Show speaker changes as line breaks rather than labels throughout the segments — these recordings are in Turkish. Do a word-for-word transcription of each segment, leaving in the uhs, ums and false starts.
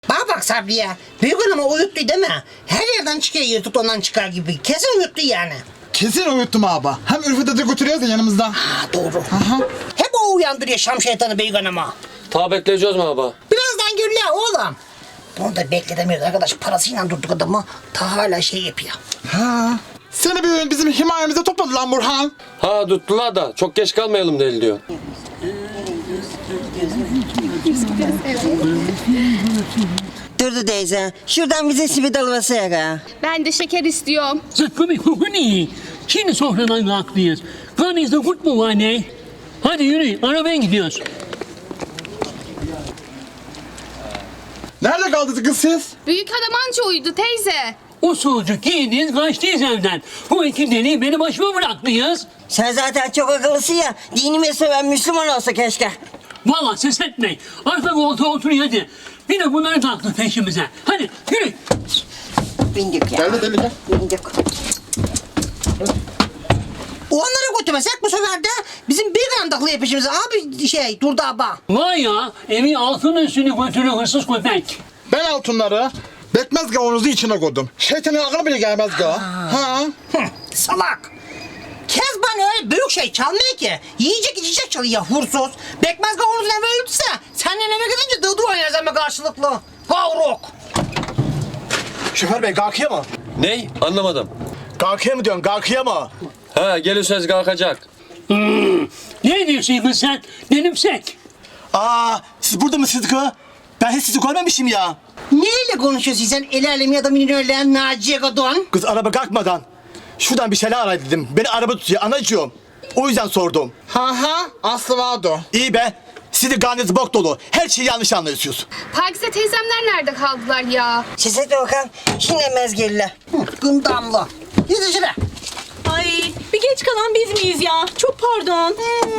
Bana bak Sabriye. Büyük hanıma uyuttu değil mi? Her yerden çıkıyor yırtık ondan çıkar gibi. Kesin uyuttu yani.
Kesin uyuttum abi. Hem Ürfet'e de götürüyoruz ya yanımızda.
Ha doğru.
Aha.
Hep o uyandırıyor Şam şeytanı büyük hanıma.
Ta bekleyeceğiz mi abi?
Birazdan görüyor oğlum. Bunu da bekletemiyoruz arkadaş. Parasıyla durduk adamı. Ta hala şey yapıyor.
Ha. Seni bir bizim himayemize topladı lan Burhan.
Ha tuttular da çok geç kalmayalım değil diyor.
Durdu teyze. Şuradan bize simit alıverse ya.
Ben de şeker istiyorum.
Zıkkımı hukuni. Şimdi sofradan kalktıyız. Karnınızda kurt mu var ne? Hadi yürü, arabaya gidiyoruz.
Nerede kaldınız kız siz?
Büyük adam anca uyudu teyze.
Usulcuk giydiniz, kaçtıyız evden. Bu iki deliği beni başıma bıraktınız.
Sen zaten çok akıllısın ya. Dinimi seven Müslüman olsa keşke.
Vallahi ses etmeyin. Arka koltuğa oturun hadi. Bir de bunları taktı peşimize. Hadi yürü.
Bindik ya.
Geldi deli gel.
Bindik.
Onları götürmesek bu sefer de bizim bir gandaklı yapışımız abi şey durdu abba.
Vay ya, evi altın üstünü götürü hırsız köpek.
Ben altınları bekmez gavunuzu içine koydum. Şeytanın aklına bile gelmez ga. Ha.
Hı, salak. Kezban öyle büyük şey çalmıyor ki. Yiyecek içecek çalıyor hursuz. Bekmez kavuruzun eve öldüyse senden eve gidince dıdı oynarız ama karşılıklı. Kavruk.
Şoför bey kalkıyor mu?
Ney? Anlamadım.
Kalkıyor mu diyorsun kalkıyor mu?
Ha gelirseniz kalkacak.
Hmm. Ne diyorsun kız sen? Benimsek.
Aa siz burada mı Sıdıkı? Ben hiç sizi görmemişim ya.
Neyle konuşuyorsun sen el alemi adamın öyle Naciye Kadın?
Kız araba kalkmadan şuradan bir şeyler aray dedim. Beni araba tutuyor anacığım. O yüzden sordum.
Ha ha. Aslı vardı o.
İyi be. Siz de karnınız bok dolu. Her şeyi yanlış anlıyorsunuz.
Pakize teyzemler nerede kaldılar ya?
Size de bakalım. Şimdi emez gelirler.
Gındamlı. Gidin şuraya.
Ay bir geç kalan biz miyiz ya? Çok pardon.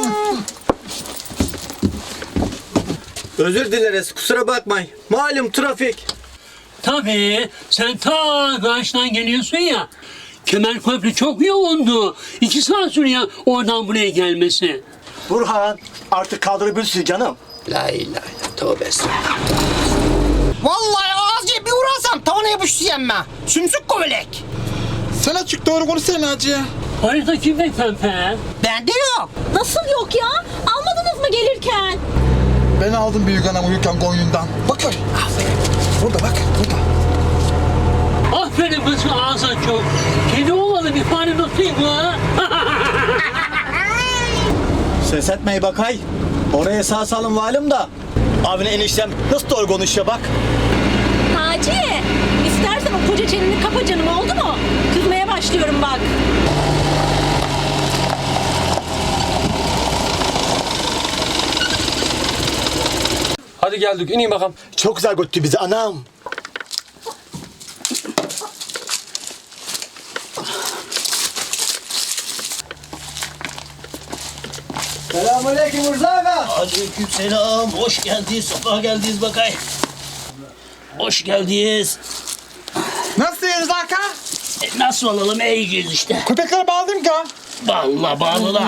Özür dileriz, kusura bakmayın. Malum trafik.
Tabii, sen ta karşıdan geliyorsun ya. Kemerköprü çok yoğundu. İki saat sürüyor oradan buraya gelmesi.
Burhan artık kaldırabilirsin canım.
La ilahe illallah, tövbe estağfurullah.
Vallahi ağzıya bir vurarsam tavana yapıştı yenme. Sümsük kovelek.
Sen açık doğru konuşsana Naciye.
Harita kimde pempe?
Bende yok.
Nasıl yok ya? Almadınız mı gelirken?
Ben aldım büyük anam uyurken koyundan. Bak öyle. Burada bak burada.
Aferin kız ağzın çok. Kedi olmalı bir fare tutayım mı?
Ses etmeyi bakay. Oraya sağ salim valim da. Abine eniştem nasıl doğru konuşuyor bak.
Naciye, istersen o koca çeneni kapa canım oldu mu? Kızmaya başlıyorum bak.
Hadi geldik ineyim bakalım.
Çok güzel götürdü bizi anam.
Selamünaleyküm Murza Aga.
Aleykümselam. Hoş geldiniz. Sabah geldiniz bakay. Hoş geldiniz.
Nasılsınız Hakan?
E, nasıl olalım? İyiyiz işte.
Köpekleri bağladım ki.
Vallahi bağlılar.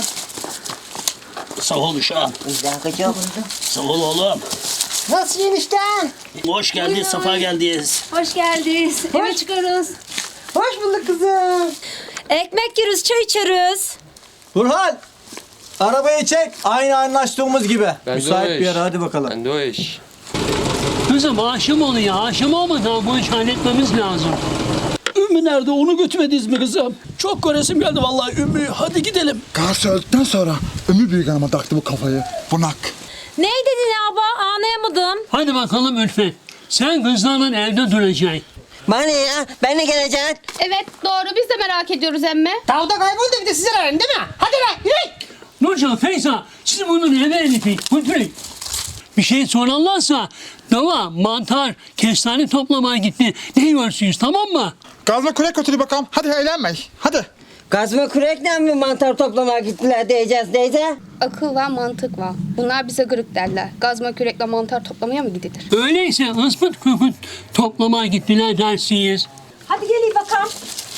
Sağ ol uşağım.
Dakika.
Sağ ol oğlum.
Nasıl enişten?
Hoş geldiniz. Safa geldiniz.
Hoş geldiniz. Eve çıkarız.
Hoş bulduk kızım.
Ekmek yiyoruz, çay içeriz.
Burhan, arabayı çek. Aynı anlaştığımız gibi.
Ben de o
Müsait bir
iş.
yer hadi bakalım.
Ben de o iş.
Kızım aşım oluyor. Aşım olmadan bu işi halletmemiz lazım.
Ümmü nerede? Onu götürmediniz mi kızım? Çok göresim geldi vallahi Ümmü. Hadi gidelim.
Karşı öldükten sonra Ömür büyük anama taktı bu kafayı. Bunak.
Ne dedin abla? Anlayamadım.
Hadi bakalım Ülfet. Sen kızlarla evde duracaksın.
Bana ne ya? Ben de geleceğim.
Evet doğru biz de merak ediyoruz emme.
Tavda kayboldu bir de size arayın değil mi? Hadi lan yürü.
Nurcan, Feyza, siz bunun eve elifin. Götürün. Bir şey sorarlarsa dava, mantar, kestane toplamaya gitti. Ne yiyorsunuz tamam mı?
Gazma kürek götürü bakalım. Hadi eğlenmeyin. Hadi.
Gazma kürekle mi mantar toplamaya gittiler diyeceğiz teyze?
Akıl var mantık var. Bunlar bize gırık derler. Gazma kürekle mantar toplamaya mı gidilir?
Öyleyse ıspıt kükürt toplamaya gittiler dersiniz.
Hadi gelin bakalım.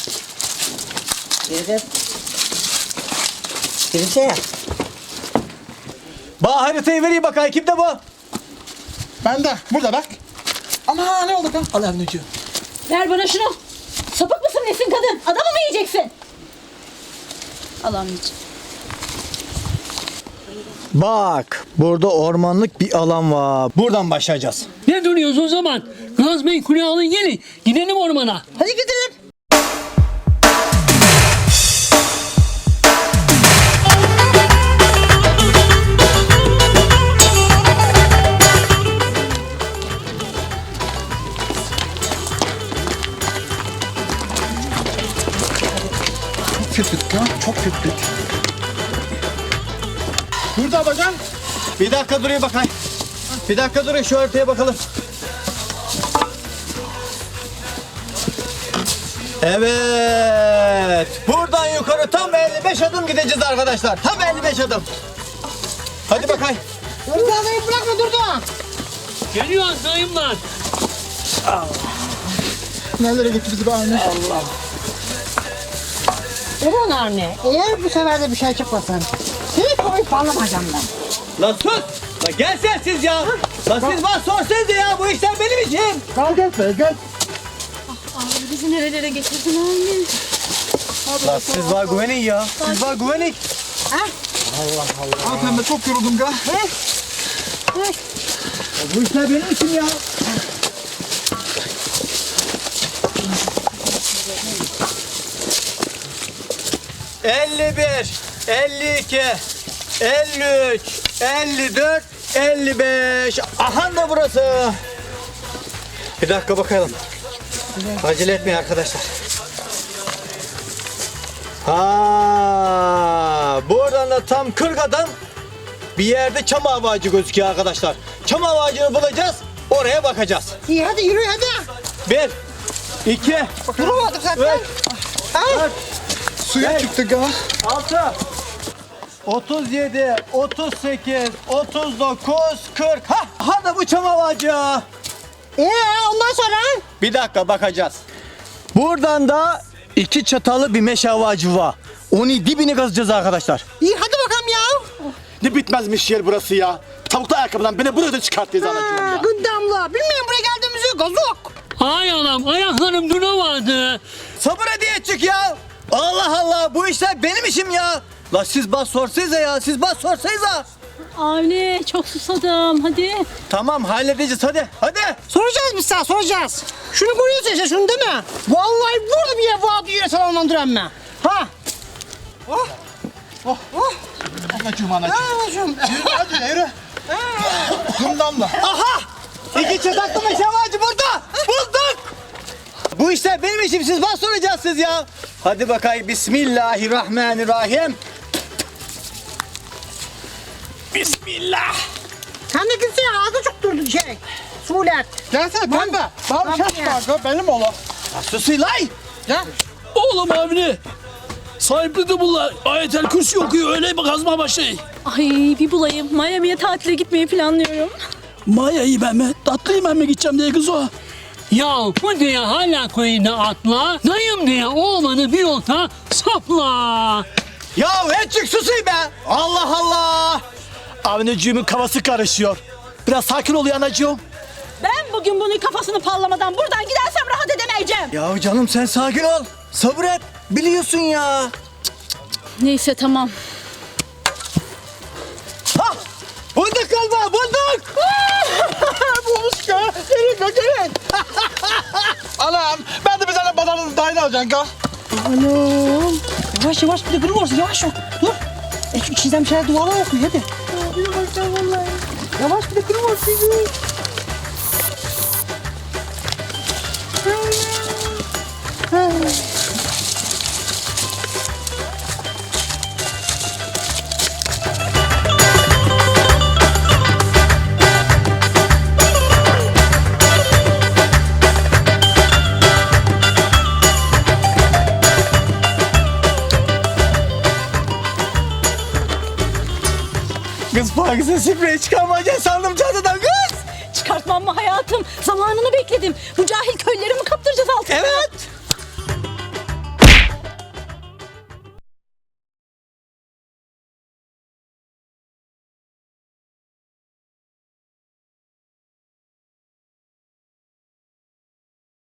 Yürü. Yürüse ya.
Bana haritayı vereyim bakay. Kimde bu?
Ben de burada bak. Ama ne oldu kız?
Al Avni'ciğim.
Ver bana şunu. Sapık mısın nesin kadın? Adamı mı yiyeceksin?
Al anneciğim.
Bak burada ormanlık bir alan var. Buradan başlayacağız.
Ne duruyoruz o zaman? Gazmayı kule alın gelin. Gidelim ormana.
Hadi gidelim.
Köpük ya, çok köpük. Burada bacan.
Bir dakika duruyor bakayım. Bir dakika duruyor şu haritaya bakalım. Evet. Buradan yukarı tam elli beş adım gideceğiz arkadaşlar. Tam elli beş adım. Hadi bakayım.
Durdu adayı bırakma durdu.
Geliyor dayımlar.
Nerelere gitti bizi be anne?
Ulan anne, eğer bu sefer de bir şey çıkmasın, seni koyup parlamayacağım ben.
Lan sus. Lan gel sen siz ya. Lan siz bana sorsanıza ya. Bu işler benim işim.
Gel gel be gel.
Abi bizi nerelere getirdin anne?
Lan siz var güvenin ya. Siz var güvenin.
Al pembe çok yoruldum ga.
Bu işler benim işim ya. elli bir, elli iki, elli üç, elli dört, elli beş. Aha da burası. Bir dakika bakalım. Acele etmeyin arkadaşlar. Ha, buradan da tam kırk adım bir yerde çam ağacı gözüküyor arkadaşlar. Çam ağacını bulacağız, oraya bakacağız.
İyi hadi yürü hadi.
Bir, iki,
Duramadık zaten.
üç,
Ay.
dört,
Suya çıktı ga.
altı, otuz yedi, otuz sekiz, otuz dokuz, kırk. Ha, ha da bu çam ağacı.
Ee ondan sonra?
Bir dakika bakacağız. Buradan da iki çatalı bir meşe ağacı var. Onu dibini kazacağız arkadaşlar.
İyi hadi bakalım ya.
Ne bitmezmiş yer burası ya. Tavuklu ayakkabıdan beni burada çıkarttınız anacığım
Ha,
ya.
gıddamla. Bilmiyorum buraya geldiğimizi gazok.
Ay anam ayaklarım duramadı.
Sabır hediye çık ya. Allah Allah bu işler benim işim ya. La siz bas sorsanıza ya siz bas sorsanıza.
Avni çok susadım hadi.
Tamam halledeceğiz hadi hadi.
Soracağız biz sana soracağız. Şunu görüyorsun işte şunu değil mi? Vallahi burada bir yer var diye salonlandıran ben. Ha? Oh. Oh. Oh.
Anacığım anacığım.
Anacığım.
Hadi yürü. Kumdamla.
Aha! İki çataklı meşe ağacı burada. Bulduk. Bu işler benim işim siz bas soracağız siz ya. Hadi bakayım Bismillahirrahmanirrahim. Bismillah.
Sen de gitsin ya ağzı çok durdu şey. Sulet.
Gelsene pembe. Bana bir şey var ga benim oğlum.
Susilay.
Gel.
Oğlum Avni. Sahipli de bunlar. Ayetel Kürsi okuyor öyle bir kazma başlayın.
Ay bir bulayım. Miami'ye tatile gitmeyi planlıyorum.
Maya'yı ben mi? Tatlıyım ben mi gideceğim diye kız o.
Ya bu diye hala koyunda atla. Dayım diye oğlanı bir yolda sapla.
Ya Etçik susuy be. Allah Allah.
Avnicığımın kafası karışıyor. Biraz sakin ol ya anacığım.
Ben bugün bunun kafasını pallamadan buradan gidersem rahat edemeyeceğim.
Ya canım sen sakin ol. Sabır et. Biliyorsun ya.
Neyse tamam.
Ha! Bulduk galiba bulduk.
Bulmuş ga. Gelin ga gelin. Anam ben de bir tane badanın dahil alacağım ga.
Anam. Yavaş yavaş bir de kırılmasın yavaş ol. Dur. E şu içinden bir şeyler duvarlar okuyor hadi. Yavaş bir de kırılmasın.
Kız Pakize sprey çıkarmayacaksın sandım çantadan kız.
Çıkartmam mı hayatım? Zamanını bekledim. Bu cahil köyleri mi kaptıracağız altına?
Evet.